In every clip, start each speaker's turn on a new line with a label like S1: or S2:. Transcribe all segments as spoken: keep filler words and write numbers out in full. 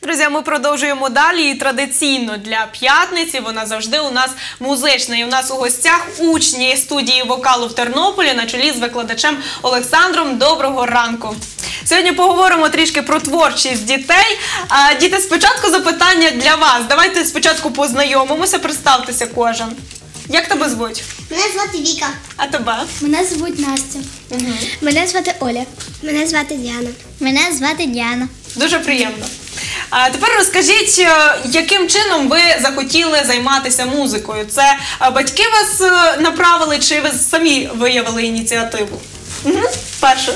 S1: Друзі, ми продовжуємо далі, і традиційно для п'ятниці вона завжди у нас музична. І у нас у гостях учні студії вокалу в Тернополі на чолі з викладачем Олександром. Доброго ранку! Сьогодні поговоримо трішки про творчість дітей. А, діти, спочатку запитання для вас. Давайте спочатку познайомимося, представтеся кожен. Як тебе звуть?
S2: Мене звати Віка.
S1: А тебе?
S2: Мене звуть Настя.
S1: Угу.
S2: Мене звати Оля. Мене звати Діана. Мене звати Діана.
S1: Дуже приємно. А тепер розкажіть, яким чином ви захотіли займатися музикою? Це батьки вас направили, чи ви самі виявили ініціативу? Угу. Перше.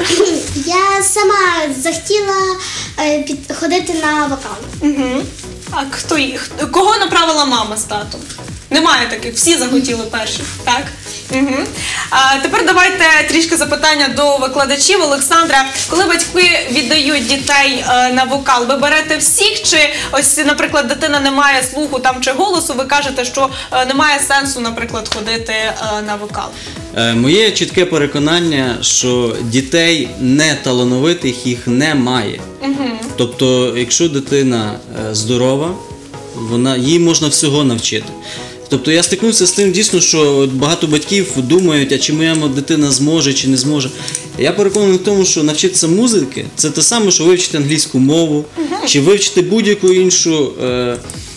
S2: Я сама захотіла е, ходити на вокал.
S1: Угу. А хто їх? Кого направила мама з татом? Немає таких, всі захотіли перші, так? Угу. А тепер давайте трішки запитання до викладачів. Олександра, коли батьки віддають дітей е, на вокал, ви берете всіх, чи ось, наприклад, дитина не має слуху там чи голосу, ви кажете, що е, немає сенсу, наприклад, ходити е, на вокал?
S3: Е, моє чітке переконання, що дітей неталановитих їх немає.
S1: Угу.
S3: Тобто, якщо дитина е, здорова, вона, їй можна всього навчити. Тобто я стикнувся з тим дійсно, що багато батьків думають, а чи моя дитина зможе, чи не зможе. Я переконаний в тому, що навчитися музики – це те саме, що вивчити англійську мову, чи вивчити будь-яку іншу, е,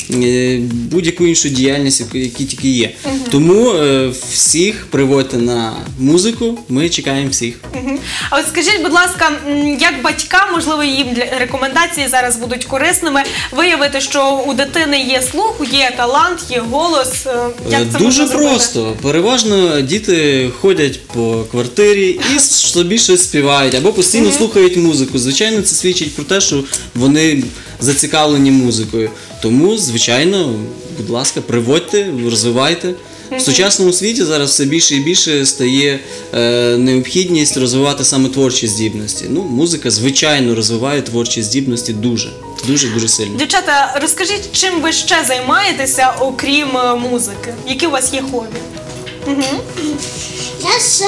S3: будь-яку іншу діяльність, яка тільки є. Тому е, всіх приводьте на музику, ми чекаємо всіх.
S1: А от скажіть, будь ласка, як батькам, можливо, їм для рекомендації зараз будуть корисними, виявити, що у дитини є слух, є талант, є голос? Як це
S3: Дуже
S1: можна зробити?
S3: просто. Переважно діти ходять по квартирі і собі щось співають, або постійно uh-huh. слухають музику. Звичайно, це свідчить про те, що вони зацікавлені музикою. Тому, звичайно, будь ласка, приводьте, розвивайте. В сучасному світі зараз все більше і більше стає е, необхідність розвивати саме творчі здібності. Ну, музика, звичайно, розвиває творчі здібності дуже, дуже-дуже сильно.
S1: Дівчата, розкажіть, чим ви ще займаєтеся, окрім музики? Які у вас є хобі? Угу.
S2: Я ще,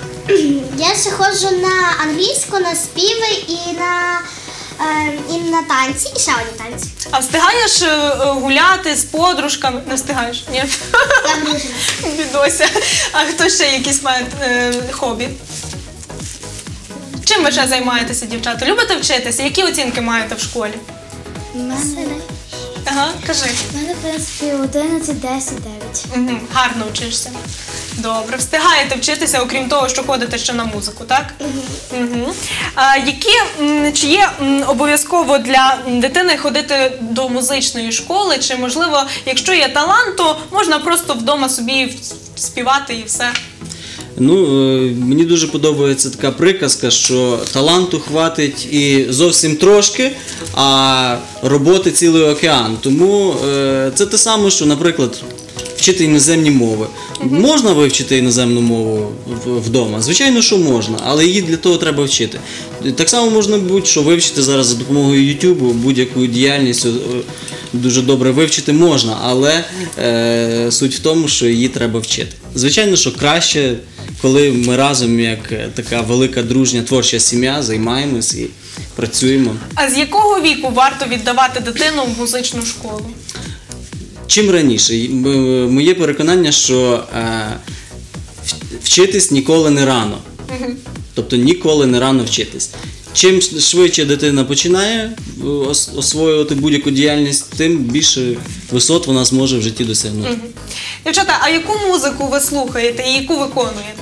S2: я ще ходжу на англійську, на співи і на... і на танці, і ще одні танці.
S1: А встигаєш гуляти з подружками? Не встигаєш? Ні?
S2: Я дружина.
S1: Бідося. А хто ще якісь має е, хобі? Чим ви ще займаєтеся, дівчата? Любите вчитися? Які оцінки маєте в школі?
S2: У мене...
S1: Ага, кажи.
S2: У мене, в принципі, одинадцять, десять, дев'ять.
S1: Угу. Гарно вчишся. Добре. Встигаєте вчитися, окрім того, що ходите ще на музику, так? Угу. Угу. А, які, чи є обов'язково для дитини ходити до музичної школи, чи, можливо, якщо є талант, то можна просто вдома собі співати і все?
S3: Ну, мені дуже подобається така приказка, що таланту хватить і зовсім трошки, а роботи цілий океан. Тому е, це те саме, що, наприклад, вчити іноземні мови. Uh-huh. Можна вивчити іноземну мову вдома? Звичайно, що можна, але її для того треба вчити. Так само можна будь-що вивчити зараз за допомогою ютубу, будь-яку діяльність дуже добре вивчити можна, але е, суть в тому, що її треба вчити. Звичайно, що краще, коли ми разом, як така велика дружня творча сім'я, займаємось і працюємо.
S1: А з якого віку варто віддавати дитину в музичну школу?
S3: Чим раніше. Моє переконання, що е, вчитись ніколи не рано. Угу. Тобто ніколи не рано вчитись. Чим швидше дитина починає освоювати будь-яку діяльність, тим більше висот вона зможе в житті досягнути.
S1: Угу. Дівчата, а яку музику ви слухаєте і яку виконуєте?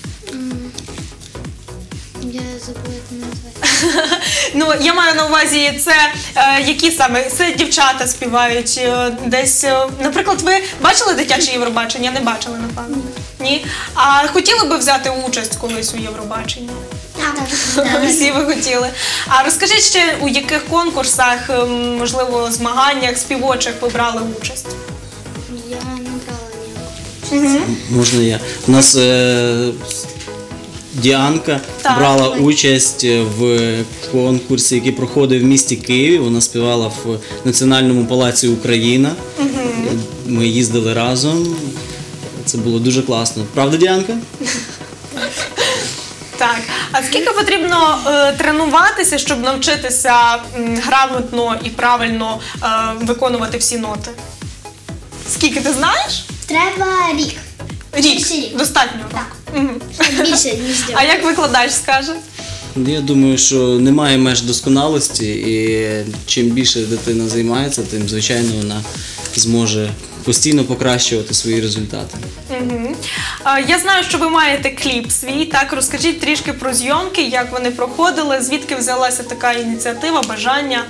S2: Я забула, як мене звати.
S1: Ну, я маю на увазі, це е, які саме? Це дівчата співають е, десь, е, наприклад, ви бачили дитяче Євробачення? Не бачили, напевно? Ні. А хотіли би взяти участь колись у Євробаченні?
S2: Так.
S1: Всі ви хотіли. А розкажіть ще, у яких конкурсах, можливо, змаганнях співочих ви брали участь?
S2: Я не брала ніякого.
S1: Угу.
S3: Можна я? У нас е, Діанка
S1: так,
S3: брала
S1: давай.
S3: участь в конкурсі, який проходив в місті Києві. Вона співала в Національному палаці Україна. Угу. Ми їздили разом. Це було дуже класно. Правда, Діанка?
S1: Так. А скільки потрібно е, тренуватися, щоб навчитися м, грамотно і правильно е, виконувати всі ноти? Скільки ти знаєш?
S2: Треба рік.
S1: Рік.
S2: Більше рік.
S1: Достатньо.
S2: Так.
S1: Мгм.
S2: Більше, ніж
S1: А
S2: два.
S1: як викладач скаже?
S3: Я думаю, що немає меж досконалості, і чим більше дитина займається, тим, звичайно, вона зможе постійно покращувати свої результати.
S1: Мгм. А, Я знаю, що ви маєте кліп свій. Так, розкажіть трішки про зйомки, як вони проходили, звідки взялася така ініціатива, бажання.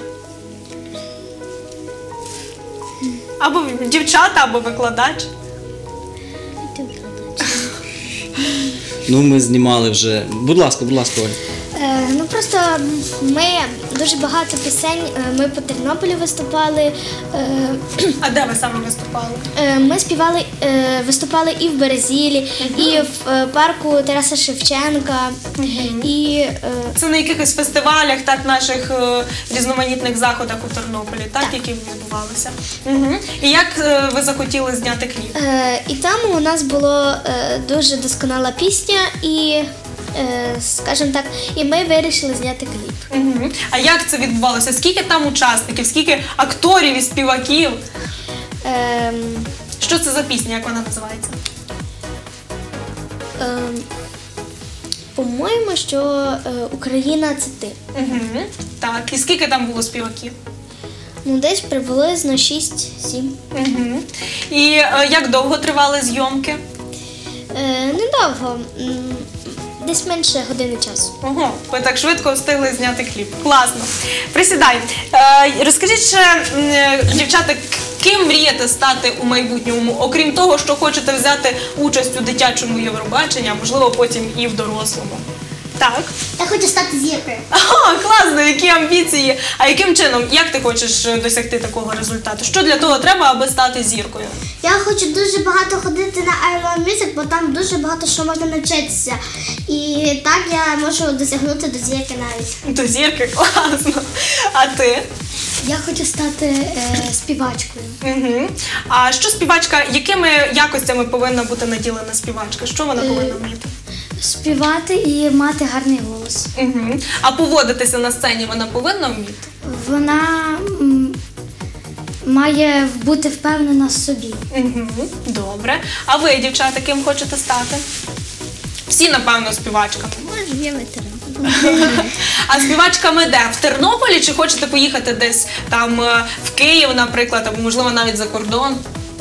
S1: Або дівчата, або викладач.
S3: Ну, ми знімали вже. Будь ласка, будь ласка, Оль.
S4: Е, Ну просто ми дуже багато пісень. е, Ми по Тернополі виступали. е,
S1: А де ви саме виступали?
S4: е, Ми співали, е, виступали і в Березілі, і в е, парку Тараса Шевченка. І е,
S1: Це на якихось фестивалях, так, наших е, різноманітних заходах у Тернополі, так, які відбувалися. Угу. І як е, ви захотіли зняти кліп?
S4: е, і там у нас була е, дуже досконала пісня, і, е, скажімо так, і ми вирішили зняти кліп.
S1: Угу. А як це відбувалося? Скільки там учасників, скільки акторів і співаків?
S4: Ем,
S1: Що це за пісня, як вона називається?
S4: ем, По-моєму, що е, Україна це ти.
S1: Угу. Так, і скільки там було співаків?
S4: Ну, десь приблизно шість-сім.
S1: Угу. І е, як довго тривали зйомки?
S4: Е, недовго, м, десь менше години часу.
S1: Ого, ви так швидко встигли зняти кліп. Класно. Присідай. Е, розкажіть ще, м, е, дівчата, к- ким мрієте стати у майбутньому, окрім того, що хочете взяти участь у дитячому Євробаченні, а можливо потім і в дорослому. Так.
S2: Я хочу стати зіркою.
S1: Ага, класно, які амбіції. А яким чином, як ти хочеш е, досягти такого результату? Що для того треба, аби стати зіркою?
S2: Я хочу дуже багато ходити на I Love Music, бо там дуже багато що можна навчитися. І так я можу досягнути до зірки навіть.
S1: До зірки, класно. А ти?
S4: Я хочу стати е, співачкою.
S1: Угу. А що співачка, якими якостями повинна бути наділена співачка? Що вона повинна вміти?
S4: Співати і мати гарний голос.
S1: Угу. А поводитися на сцені вона повинна вміти?
S4: Вона м, має бути впевнена в собі.
S1: Угу. Добре. А ви, дівчата, ким хочете стати? Всі, напевно, співачками.
S4: Може, є ветеран.
S1: А співачками де? В Тернополі чи хочете поїхати десь там е, в Київ, наприклад, або можливо навіть за кордон?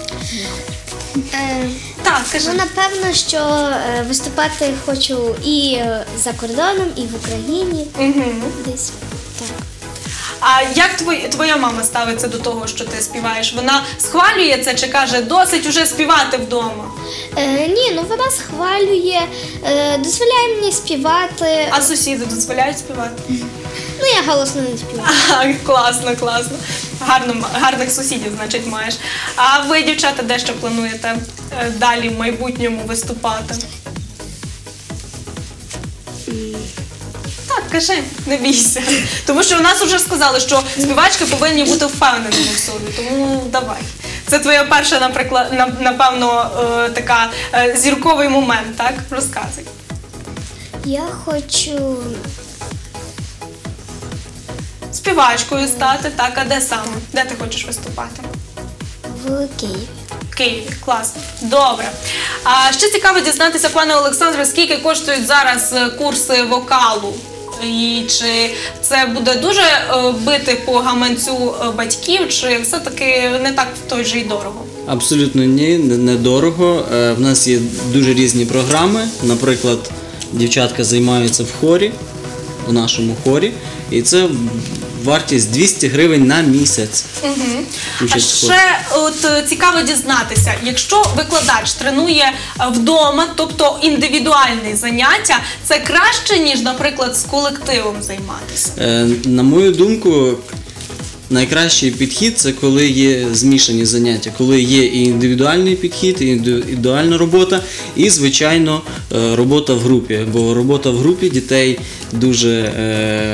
S4: Е,
S1: Так, кажи.
S4: ну, напевно, що е, виступати хочу і е, за кордоном, і в Україні.
S1: Угу.
S4: Десь так.
S1: А як твоя, твоя мама ставиться до того, що ти співаєш? Вона схвалює це чи каже, досить уже співати вдома?
S4: Е, ні, ну вона схвалює, е, дозволяє мені співати.
S1: А сусіди дозволяють співати?
S4: Ну, я голосно не співаю.
S1: А, класно, класно. Гарно, гарних сусідів, значить, маєш. А ви, дівчата, де ще плануєте е, далі в майбутньому виступати? Так, кажи, не бійся. Тому що у нас вже сказали, що співачки повинні бути впевненими в собі. Тому давай. Це твоя перша, наприклад, на- напевно, е, така е, зірковий момент, так? Розказуй.
S4: Я хочу
S1: Співачкою стати, так, а де саме? Де ти хочеш виступати?
S4: в Києві.
S1: В Києві, класно. Добре. А ще цікаво дізнатися, пане Олександре, скільки коштують зараз е, курси вокалу? І чи це буде дуже е, бити по гаманцю е, батьків, чи все-таки не так той же й дорого?
S3: Абсолютно ні, не- недорого. Е, В нас є дуже різні програми. Наприклад, дівчатка займаються в хорі, у нашому хорі, і це вартість двісті гривень на місяць.
S1: Угу. А
S3: Участь в хорі.
S1: ще от е, цікаво дізнатися, якщо викладач тренує е, вдома, тобто індивідуальні заняття, це краще, ніж, наприклад, з колективом займатися?
S3: Е, На мою думку, найкращий підхід це коли є змішані заняття, коли є і індивідуальний підхід, і індивідуальна робота, і, звичайно, е, робота в групі. Бо робота в групі дітей дуже е,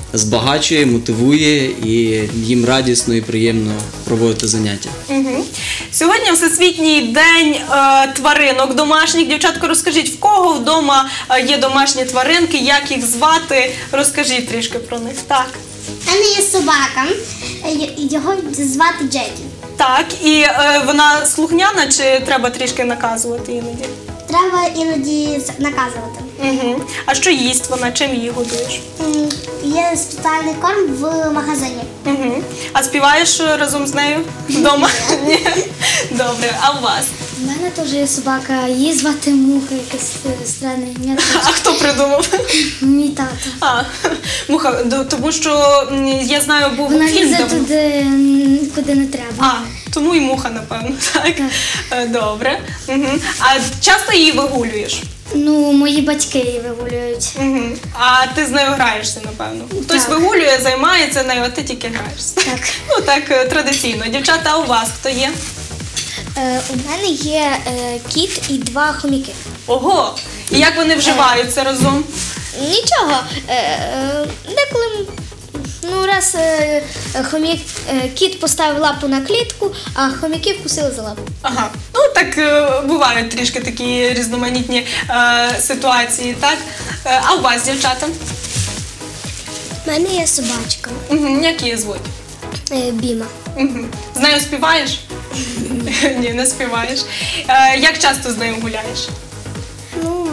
S3: збагачує, мотивує і їм радісно і приємно проводити заняття.
S1: Угу. Сьогодні Всесвітній день е, тваринок домашніх. Дівчатко, розкажіть, в кого вдома е, є домашні тваринки, як їх звати? Розкажіть трішки про них. Так.
S2: У мене є собака, е, й- його звати Джекі.
S1: Так, і е, вона слухняна чи треба трішки наказувати іноді?
S2: Треба іноді з- наказувати.
S1: Угу. А що їсть вона? Чим її годуєш?
S2: М, Є спеціальний корм в магазині.
S1: Угу. А співаєш е, разом з нею вдома? Ні. Добре, а у вас?
S4: У мене теж є собака, її звати Муха, якесь е, странне ім'я.
S1: А хто придумав?
S4: Мій тато.
S1: А, Муха, д- тому що м, я знаю, був
S4: Вона
S1: фільм
S4: лізе
S1: давно.
S4: туди, м, куди не треба.
S1: А, тому і муха, напевно, так?
S4: Так.
S1: Е, Добре. Угу. А часто її вигулюєш?
S4: Ну, мої батьки її вигулюють.
S1: Угу. А ти з нею граєшся, напевно. Хтось
S4: Так.
S1: вигулює, займається нею, а ти тільки граєшся.
S4: Так.
S1: Ну так, е, традиційно. Дівчата, а у вас хто є?
S4: Е, у мене є е, кіт і два хоміки.
S1: Ого! І як вони вживаються разом?
S4: Нічого. Е, е, деколи м, ну, раз е, хомік, е, кіт поставив лапу на клітку, а хомяки вкусили за лапу.
S1: Ага. Ну так е, бувають трішки такі різноманітні е, ситуації, так? Е, а у вас, дівчата?
S4: У мене є собачка
S1: Угу. Як її звуть?
S4: е, Біма.
S1: Угу. З нею співаєш? Ні, не співаєш. Е, як часто з нею гуляєш?
S4: Ну,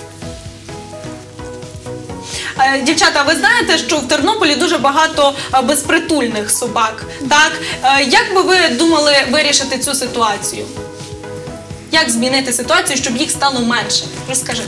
S1: Е, Дівчата, ви знаєте, що в Тернополі дуже багато е, безпритульних собак, так? Е, Як би ви думали вирішити цю ситуацію? Як змінити ситуацію, щоб їх стало менше? Розкажи.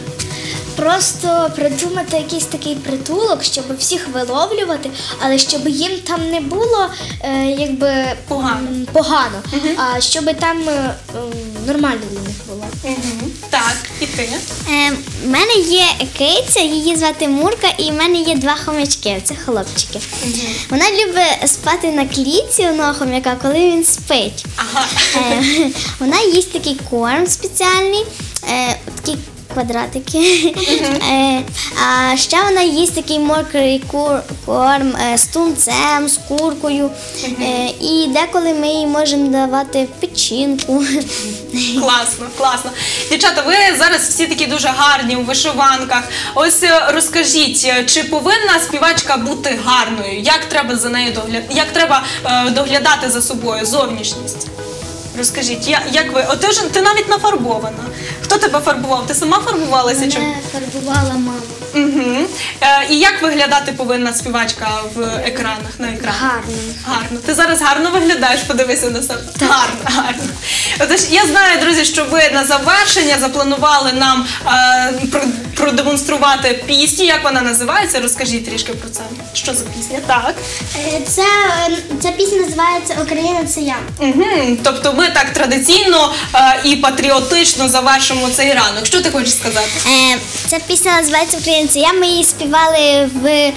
S4: просто придумати якийсь такий притулок, щоб всіх виловлювати, але щоб їм там не було е, якби
S1: Погано.
S4: м, погано, а щоб там е, м, нормально для них було.
S1: Угу. Так, і ти?
S2: Е, У мене є киця, її звати Мурка, і в мене є два хомячки, це хлопчики. Вона любить спати на клітці одного хомяка, коли він спить.
S1: Ага.
S2: Е, Вона їсть такий корм спеціальний, е, такі квадратики. Е, А ще вона їсть такий мокрий кур- корм е, з тунцем, з куркою. Е, І деколи ми їй можемо давати печінку.
S1: Класно, класно. Дівчата, ви зараз всі такі дуже гарні у вишиванках. Ось е, розкажіть, е, чи повинна співачка бути гарною? Як треба за нею доглядати? Як треба е, доглядати за собою зовнішність? Розкажіть, я, як ви? О, ти ж ти навіть нафарбована. Хто тебе фарбував? Ти сама фарбувалася? Чи?
S4: Мене фарбувала мама.
S1: Угу. Е, і як виглядати повинна співачка в екранах, на екранах?
S4: Гарно.
S1: Гарно. Ти зараз гарно виглядаєш, подивися на себе. Гарно, гарно. Отож, я знаю, друзі, що ви на завершення запланували нам е, про- продемонструвати пісню. Як вона називається? Розкажіть трішки про це. Що за пісня? Так.
S2: Е, Це, е, ця пісня називається «Україна – це я».
S1: Угу. Тобто ми так традиційно е, і патріотично завершимо цей ранок. Що ти хочеш сказати?
S2: Е, Ця пісня називається «Україна – це я». Ми її співали в, е,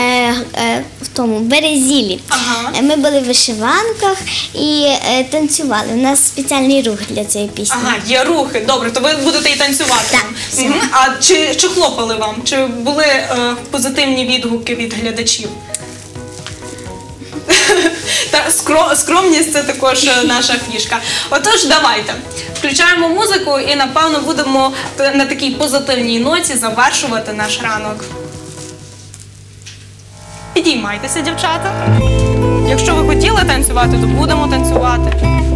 S2: е, в тому Березілі.
S1: Ага.
S2: Е, Ми були в вишиванках і е, танцювали. У нас спеціальний рух для цієї пісні.
S1: Ага, є рухи. Добре, то ви будете і танцювати.
S2: Так,
S1: Мгм. А чи, чи хлопали вам? Чи були е, позитивні відгуки від глядачів? Та скро- скромність це також е, наша фішка. Отож, давайте включаємо музику і напевно будемо т- на такій позитивній ноті завершувати наш ранок. Підіймайтеся, дівчата. Якщо ви хотіли танцювати, то будемо танцювати.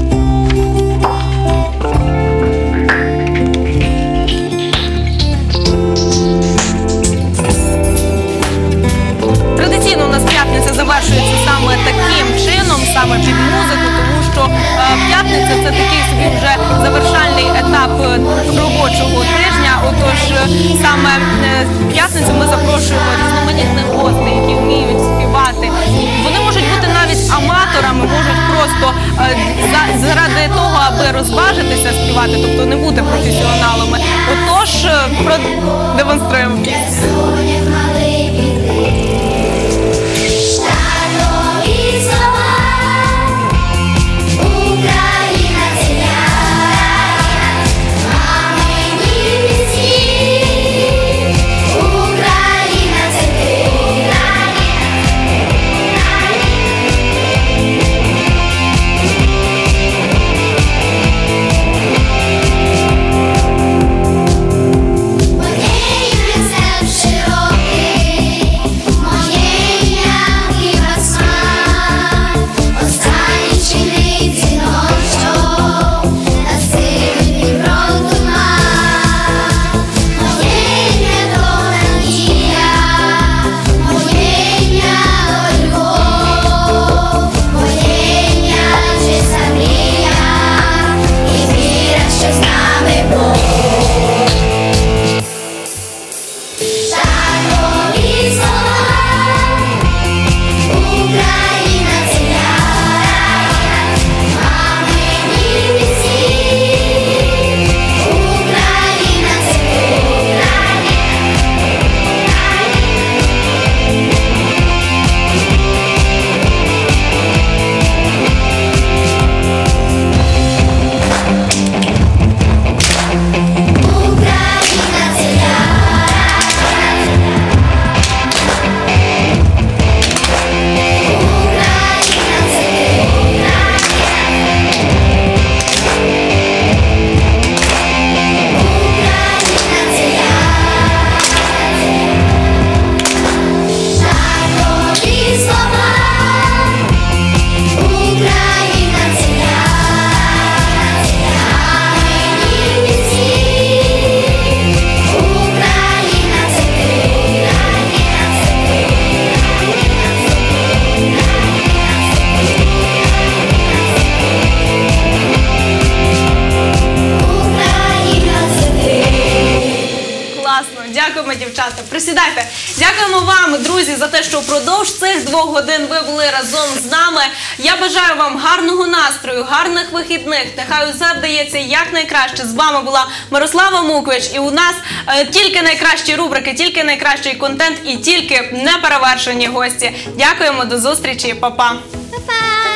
S1: Традиційно у нас п'ятниця завершується саме таким чином, саме під музику, тому що е, п'ятниця це такий собі вже завершальний етап е, робочого тижня. Отож, е, саме е, в п'ятницю ми запрошуємо різноманітних гостей, які вміють співати. Вони можуть бути навіть аматорами, можуть просто е, за- заради того, аби розважитися співати, тобто не бути професіоналами. Отож, е, продемонструємо пісню. впродовж цих двох годин ви були разом з нами. Я бажаю вам гарного настрою, гарних вихідних. Нехай усе вдається якнайкраще. З вами була Мирослава Муквич. І у нас е, тільки найкращі рубрики, тільки найкращий контент і тільки неперевершені гості. Дякуємо, до зустрічі, па-па.
S2: Па-па!